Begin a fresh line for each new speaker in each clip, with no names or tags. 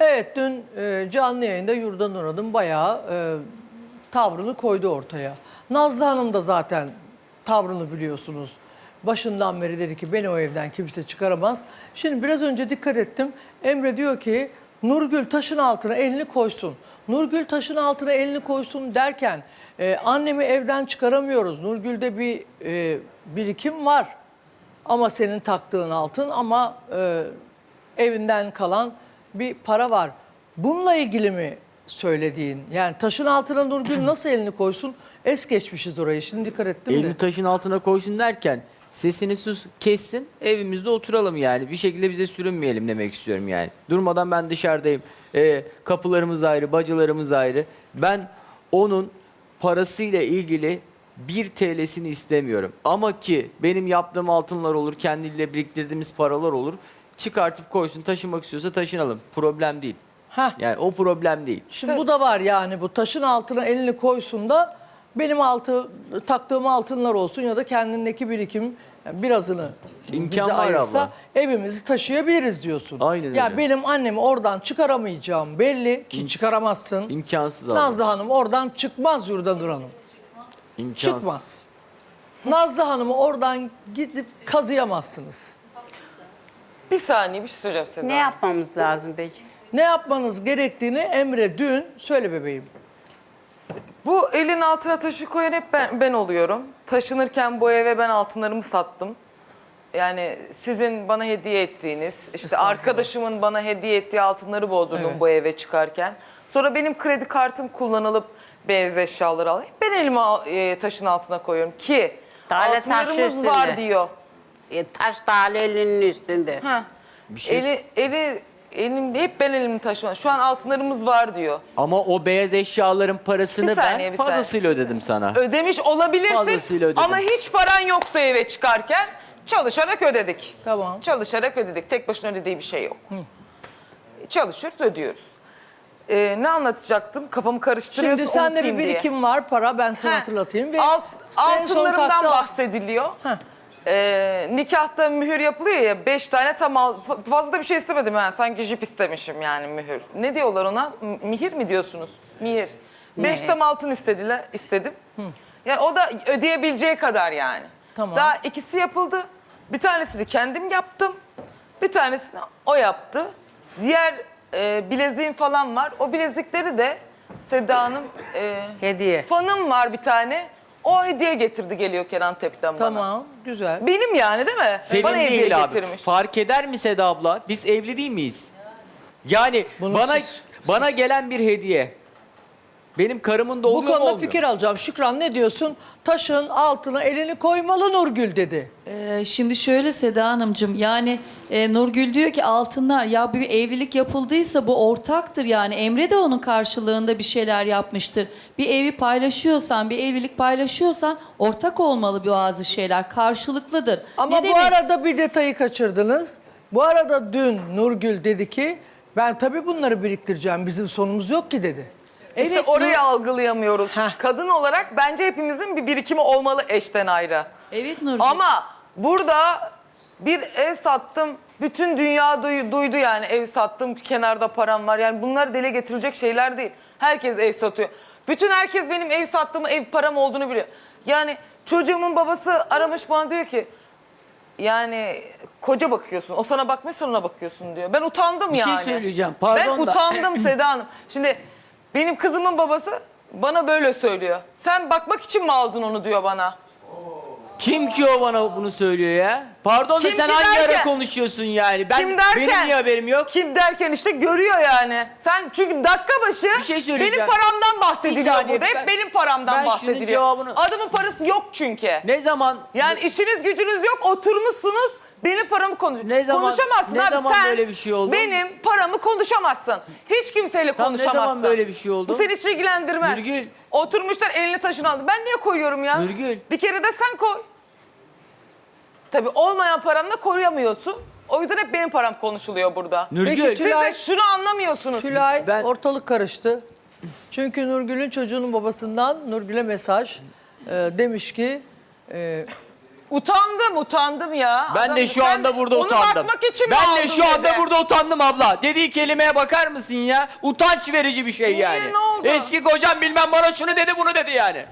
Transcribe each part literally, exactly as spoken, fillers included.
Evet, dün e, canlı yayında Yurda Nur Hanım bayağı e, tavrını koydu ortaya. Nazlı Hanım da zaten tavrını biliyorsunuz. Başından beri dedi ki beni o evden kimse çıkaramaz. Şimdi biraz önce dikkat ettim. Emre diyor ki Nurgül taşın altına elini koysun. Nurgül taşın altına elini koysun derken e, annemi evden çıkaramıyoruz. Nurgül'de bir e, birikim var. Ama senin taktığın altın ama e, evinden kalan bir para var. Bununla ilgili mi söylediğin? Yani taşın altına Nurgül nasıl elini koysun? Es geçmişiz orayı. Şimdi dikkat ettim de.
Elini taşın altına koysun derken sesini sus kessin, evimizde oturalım yani. Bir şekilde bize sürünmeyelim demek istiyorum yani. Durmadan ben dışarıdayım. Ee, kapılarımız ayrı, bacılarımız ayrı. Ben onun parasıyla ilgili bir T L'sini istemiyorum. Ama ki benim yaptığım altınlar olur, kendiyle biriktirdiğimiz paralar olur. Çıkartıp koysun, taşımak istiyorsa taşınalım. Problem değil.
Heh.
Yani o problem değil.
Şimdi bu da var yani, bu taşın altına elini koysun da benim altı taktığım altınlar olsun ya da kendindeki birikim yani birazını
İmkan
bize
var
ayırsa
abla.
evimizi taşıyabiliriz diyorsun.
Aynen
Ya
öyle.
benim annemi oradan çıkaramayacağım belli ki çıkaramazsın.
İmkansız abi.
Nazlı Hanım oradan çıkmaz Yurda Nur Hanım.
İmkansız.
Çıkmaz. Nazlı Hanım'ı oradan gidip kazıyamazsınız.
Bir saniye bir şey söyleyeceğim Seda.
Ne yapmamız lazım peki?
Ne yapmanız gerektiğini Emre dün söyle bebeğim.
Bu elin altına taşı koyan hep ben, ben oluyorum. Taşınırken bu eve ben altınlarımı sattım. Yani sizin bana hediye ettiğiniz, işte arkadaşımın bana hediye ettiği altınları bozdurdum
Evet.
bu eve çıkarken. Sonra benim kredi kartım kullanılıp beyaz eşyaları alayım. Ben elimi al- e, taşın altına koyuyorum ki
Tale taşı
altınlarımız
üstünde.
var diyor.
E, taş tali elinin üstünde.
Ha.
Bir şey-
Eli, eli, elim, hep ben elimi taşıma. Şu an altınlarımız var diyor.
Ama o beyaz eşyaların parasını
Bir saniye,
ben
bir saniye.
fazlasıyla ödedim sana.
Ödemiş olabilirsin
Fazlasıyla ödedim.
ama hiç paran yoktu eve çıkarken. Çalışarak ödedik.
Tamam.
Çalışarak ödedik. Tek başına ödediği bir şey yok. Çalışıyoruz, ödüyoruz. Ee, ne anlatacaktım? Kafamı karıştırıyorsun,
Şimdi sende bir
unutayım diye.
birikim var, para, ben sana
Heh.
hatırlatayım. Ve
Alt,
en son
altınlarımdan
taktığı-
bahsediliyor.
Heh.
Ee, nikahta mühür yapılıyor ya, beş tane tam al, fa- fazla da bir şey istemedim yani, sanki jip istemişim yani mühür. Ne diyorlar ona? M- Mihir mi diyorsunuz? Mihir. Beş tam altın istediler, istedim. Yani o da ödeyebileceği kadar yani.
Tamam.
Daha ikisi yapıldı. Bir tanesini kendim yaptım. Bir tanesini o yaptı. Diğer e, bileziğim falan var. O bilezikleri de Seda Hanım, e,
Hediye.
fanım var bir tane. O hediye getirdi geliyor Kenan Tep'ten bana.
Tamam, güzel.
Benim yani değil mi?
Senin
bana hediye
değil abi.
getirmiş.
Fark eder mi Seda abla? Biz evli değil miyiz? Yani
Bunu
bana
siz-
bana gelen bir hediye. Benim karımın da
Bu
oluyor mu
konuda
olmuyor?
fikir alacağım. Şükran ne diyorsun? Taşın altına elini koymalı Nurgül dedi.
Ee, şimdi şöyle Seda Hanımcığım, yani e, Nurgül diyor ki altınlar, ya bir evlilik yapıldıysa bu ortaktır, yani Emre de onun karşılığında bir şeyler yapmıştır. Bir evi paylaşıyorsan, bir evlilik paylaşıyorsan ortak olmalı bazı şeyler, karşılıklıdır.
Ama
Ne
bu
demek?
arada bir detayı kaçırdınız. Bu arada dün Nurgül dedi ki ben tabii bunları biriktireceğim, bizim sonumuz yok ki dedi.
İşte
Evet,
orayı
Nur-
algılayamıyoruz.
Heh.
Kadın olarak bence hepimizin bir birikimi olmalı eşten ayrı.
Evet Nurgül.
Ama burada bir ev sattım. Bütün dünya duy- duydu yani, ev sattım, kenarda param var. Yani bunlar dile getirilecek şeyler değil. Herkes ev satıyor. Bütün herkes benim ev sattığımı, ev param olduğunu biliyor. Yani çocuğumun babası aramış bana, diyor ki yani koca bakıyorsun. O sana bakmıyor, sen ona bakıyorsun diyor. Ben utandım
Bir şey
yani.
söyleyeceğim, pardon
Ben
da-
utandım Seda Hanım. Şimdi benim kızımın babası bana böyle söylüyor. Sen bakmak için mi aldın onu diyor bana.
Kim ki o bana bunu söylüyor ya? Pardon da
Kim
sen
ki
hangi
derken-
ara konuşuyorsun yani? Ben,
Kim derken?
Benim niye haberim yok?
Kim derken işte görüyor yani. Sen çünkü dakika başı
Bir şey söyleyeceğim.
benim paramdan bahsediliyor
Bir saniye,
burada. Hep
ben-
benim paramdan
ben şunun
bahsediliyor.
cevabını-
Adamın parası yok çünkü.
Ne zaman
Yani işiniz gücünüz yok, oturmuşsunuz. Benim paramı konuş.
Ne zaman-
konuşamazsın
ne
abi.
zaman
Sen
böyle bir şey oldu?
benim paramı konuşamazsın. Hiç kimseyle
Tam ne zaman
konuşamazsın.
böyle bir şey oldu?
Bu seni hiç ilgilendirmez.
Nurgül.
Oturmuşlar elini taşını aldı. Ben niye koyuyorum ya?
Nurgül.
Bir kere de sen koy. Tabii olmayan paranla koruyamıyorsun. O yüzden hep benim param konuşuluyor burada.
Nurgül.
Peki,
Siz
Tülay-
de şunu anlamıyorsunuz.
Tülay
Ben-
ortalık karıştı. Çünkü Nurgül'ün çocuğunun babasından Nurgül'e mesaj e, demiş ki e,
Utandım, utandım ya.
Ben
Adam-
de şu
sen
anda burada
onu
utandım.
bakmak için mi
Ben de
aldın
şu anda
dedi?
burada utandım abla. Dediği kelimeye bakar mısın ya? Utanç verici bir şey
Niye,
yani.
ne oldu?
Eski kocam bilmem bana şunu dedi bunu dedi yani.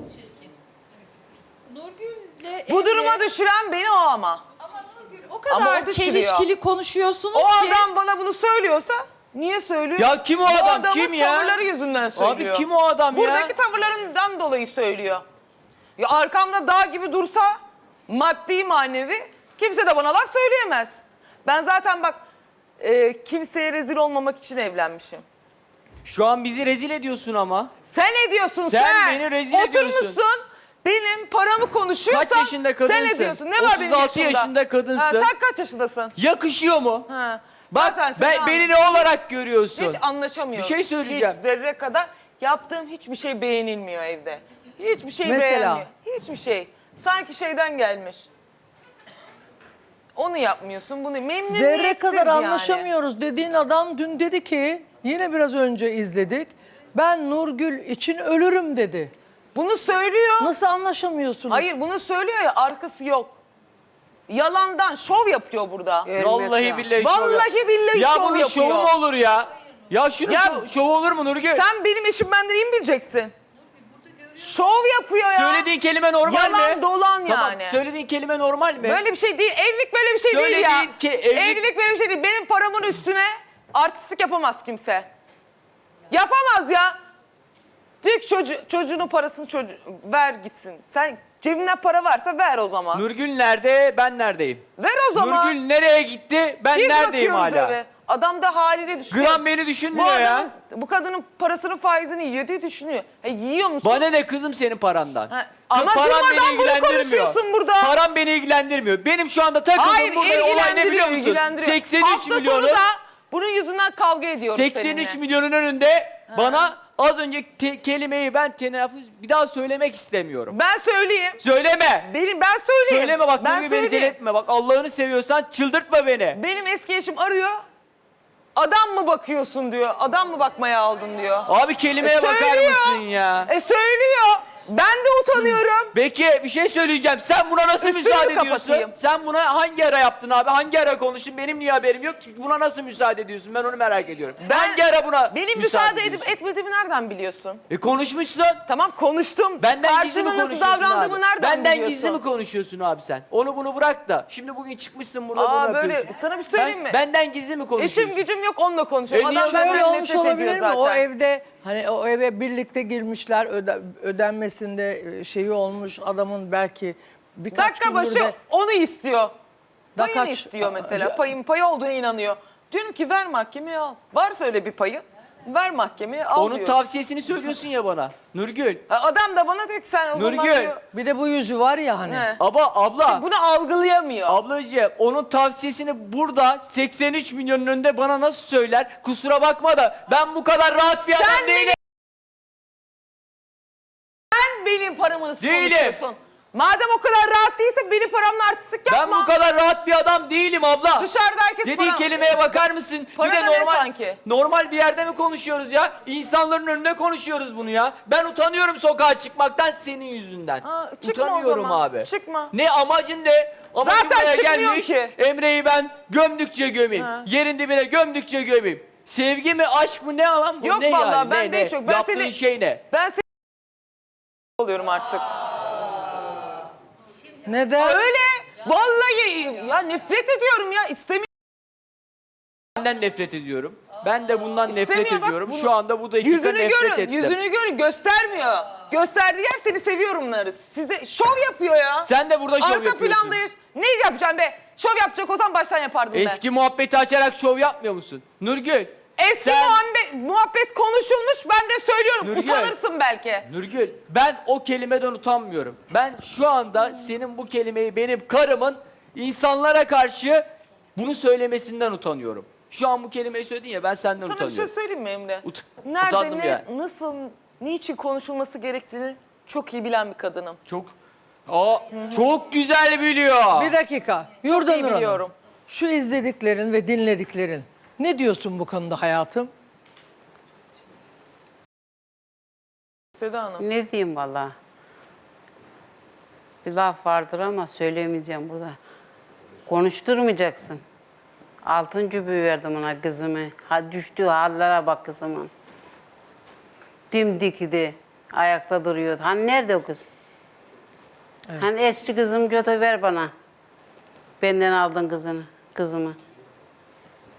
Nurgül'le
Bu
Emre-
duruma düşüren beni o ama.
Ama Nurgül o
Ama
kadar
o düşürüyor.
çelişkili konuşuyorsunuz
O
ki.
adam bana bunu söylüyorsa niye söylüyor?
Ya kim o
Bu
adam,
adamın
kim ya?
tavırları yüzünden söylüyor.
Abi kim o adam ya?
Buradaki tavırlarından dolayı söylüyor. Ya arkamda dağ gibi dursa maddi manevi kimse de bana laf söyleyemez. Ben zaten bak e, kimseye rezil olmamak için evlenmişim.
Şu an bizi rezil ediyorsun ama.
Sen ne diyorsun sen?
Sen beni rezil ediyorsun.
Oturmuşsun benim paramı konuşuyorsan
Kaç yaşında kadınsın?
sen ne diyorsun? Ne var benim
otuz altı
yaşımda?
yaşında kadınsın.
Ha, sen kaç yaşındasın?
Yakışıyor mu?
Ha.
Bak
Zaten
ben,
sen-
beni ne olarak görüyorsun?
Hiç anlaşamıyoruz.
Bir şey söyleyeceğim.
Hiç zerre kadar yaptığım hiçbir şey beğenilmiyor evde. Hiçbir şey
Mesela?
beğenmiyor. Hiçbir şey. Sanki şeyden gelmiş. Onu yapmıyorsun, bunu memnuniyetsiz
Zerre kadar
yani.
anlaşamıyoruz dediğin adam dün dedi ki, yine biraz önce izledik. Ben Nurgül için ölürüm dedi.
Bunu söylüyor.
Nasıl anlaşamıyorsunuz?
Hayır bunu söylüyor ya arkası yok. Yalandan şov yapıyor burada.
Evet
Vallahi
ya.
billahi şov
Vallahi
yap-
billahi
ya
şov
bunun
yapıyor.
şovu mu olur ya? Ya şunun
Ya-
şov- şovu olur mu Nurgül?
Sen benim eşim benden iyi mi bileceksin? Şov yapıyor ya.
Söylediğin kelime normal
Yalan
mi?
dolan
Tamam,
yani.
söylediğin kelime normal mi?
Böyle bir şey değil. Evlilik böyle bir şey değil ya.
Söylediğin ki evlilik-
Evlilik böyle bir şey değil. Benim paramın üstüne artistlik yapamaz kimse. Yapamaz ya. Diyor ki çocuğu, çocuğunun parasını çocuğu, ver gitsin. Sen cebinden para varsa ver o zaman.
Nurgül nerede? Ben neredeyim?
ver o zaman.
Nurgül nereye gitti? Ben
Biz
neredeyim
bakıyoruz
hala?
eve. Adam da haliyle düşünüyor.
Gram beni
bu
düşünmüyor ya.
adamın, bu kadının parasının faizini yiyor diye düşünüyor. E, yiyor musun?
Bana ne kızım senin parandan?
Ha, ama
Param
durmadan
beni
bunu
ilgilendirmiyor.
konuşuyorsun burada.
Param beni ilgilendirmiyor. Benim şu anda takıldığım
Hayır
burada olay ne
ilgilendiriyor,
biliyor musun?
ilgilendiriyor.
seksen üç
Hafta
milyonun
sonu da bunun yüzünden kavga ediyoruz
seksen üç
seninle.
milyonun önünde bana az önce te- kelimeyi ben telaffuz bir daha söylemek istemiyorum.
Ben söyleyeyim.
Söyleme.
Benim ben söyleyeyim.
Söyleme bak
ben
Nurgül beni
söyleyeyim.
delirtme. Bak Allah'ını seviyorsan çıldırtma beni.
Benim eski eşim arıyor. Adam mı bakıyorsun diyor. Adam mı bakmaya aldın diyor.
Abi kelimeye
E,
bakar
söylüyor.
mısın ya?
E söylüyor. Ben de utanıyorum.
Peki bir şey söyleyeceğim. Sen buna nasıl
Üstünü
müsaade ediyorsun?
kapatayım.
Sen buna hangi ara yaptın abi? Hangi ara konuştun? Benim niye haberim yok ki? Buna nasıl müsaade ediyorsun? Ben onu merak ediyorum.
Ben-
hangi ara buna
Benim
müsaade,
müsaade edip
ediyorsun?
etmediğimi nereden biliyorsun?
E konuşmuşsun.
Tamam konuştum.
Benden gizli mi
Karşında nasıl
konuşuyorsun
davrandığımı
abi?
nereden
Benden
biliyorsun?
gizli mi konuşuyorsun abi sen? Onu bunu bırak da. Şimdi bugün çıkmışsın burada
Aa,
bunu
böyle-
yapıyorsun.
sana bir söyleyeyim
Ben-
mi?
Benden gizli mi konuşuyorsun?
Eşim gücüm yok onunla konuşuyorum.
E, niye
Adam
şöyle
benden
Şöyle olmuş
nefret ediyor
olabilir mi?
zaten.
O evde hani o eve birlikte girmişler öde, ödenmesinde şeyi olmuş adamın belki birkaç
Dakika
gündür
başı
de
onu istiyor.
Da
Payını
kaç-
istiyor mesela.
Aa,
Payın payı olduğuna inanıyor. Diyorum ki ver mahkemeye al. Varsa öyle bir payın ver mahkemeye al
Onun
diyor.
tavsiyesini söylüyorsun ya bana. Nurgül.
Ha, Adam da bana diyor ki sen o zaman
Nurgül.
diyor.
bir de bu yüzü var ya hani.
He.
Aba abla.
Bunu algılayamıyor.
Ablacığım onun tavsiyesini burada seksen üç milyonun önünde bana nasıl söyler? Kusura bakma da ben bu kadar rahat bir
Sen
adam değilim.
Sen benim paramı nasıl
Değilim.
konuşuyorsun? Madem o kadar rahat değilse benim paramla artistlik
Ben
yapma.
bu kadar rahat bir adam değilim abla.
Dışarıda herkes
Dediği
para-
kelimeye bakar mısın?
Para
bir de
da ne
normal
sanki?
normal bir yerde mi konuşuyoruz ya? İnsanların önünde konuşuyoruz bunu ya. Ben utanıyorum sokağa çıkmaktan senin yüzünden.
Aa, çıkma o
utanıyorum
zaman.
abi.
Çıkma.
Ne amacın ne? Amacın
Zaten
buraya
çıkmıyor
gelmiş.
ki.
Emre'yi ben gömdükçe gömeyim.
Ha.
Yerin dibine gömdükçe gömeyim. Sevgi mi aşk mı ne alan bu?
Yok
ne
vallahi
yani?
ben
ne,
de
ne?
çok- ben
Yaptığın
seni-
şey ne?
Ben seni oluyorum artık.
Neden?
Öyle. Vallahi ya nefret ediyorum ya. İstemiyorum.
Benden nefret ediyorum. Ben de bundan nefret
İstemiyor, bak
ediyorum.
bunu-
Şu anda bu dakika
Yüzünü
nefret
görün.
ettim.
Yüzünü görün. Göstermiyor. Gösterdiği yer seni seviyorumları. Size şov yapıyor ya.
Sen de burada şov
Arka
yapıyorsun.
plandayız. Ne yapacağım be? Şov yapacak olsam baştan yapardım ben.
Eski muhabbeti açarak şov yapmıyor musun? Nurgül.
Eski
sen-
muhabbet, muhabbet konuşulmuş ben de söylüyorum.
Nurgül.
Utanırsın belki.
Nurgül ben o kelimeden utanmıyorum. Ben şu anda senin bu kelimeyi benim karımın insanlara karşı bunu söylemesinden utanıyorum. Şu an bu kelimeyi söyledin ya ben senden
Sana bir
utanıyorum.
şey söyleyeyim mi Emre?
Ut-
Nerede,
utandım
ne,
yani.
nasıl, niçin konuşulması gerektiğini çok iyi bilen bir kadınım.
Çok Aa, çok güzel biliyor.
Bir dakika.
iyi
Yurdanur Hanım.
biliyorum.
Şu izlediklerin ve dinlediklerin. Ne diyorsun bu konuda hayatım?
Seda Hanım.
Ne diyeyim valla? Bir laf vardır ama söyleyemeyeceğim burada. Konuşturmayacaksın. Altın cübü verdim ona kızımı. Ha düştüğü hallere bak kızımın. Dimdikidi. Ayakta duruyordu. Hani nerede o kız? Hani eski kızım götür ver bana. Benden aldın kızını, kızımı.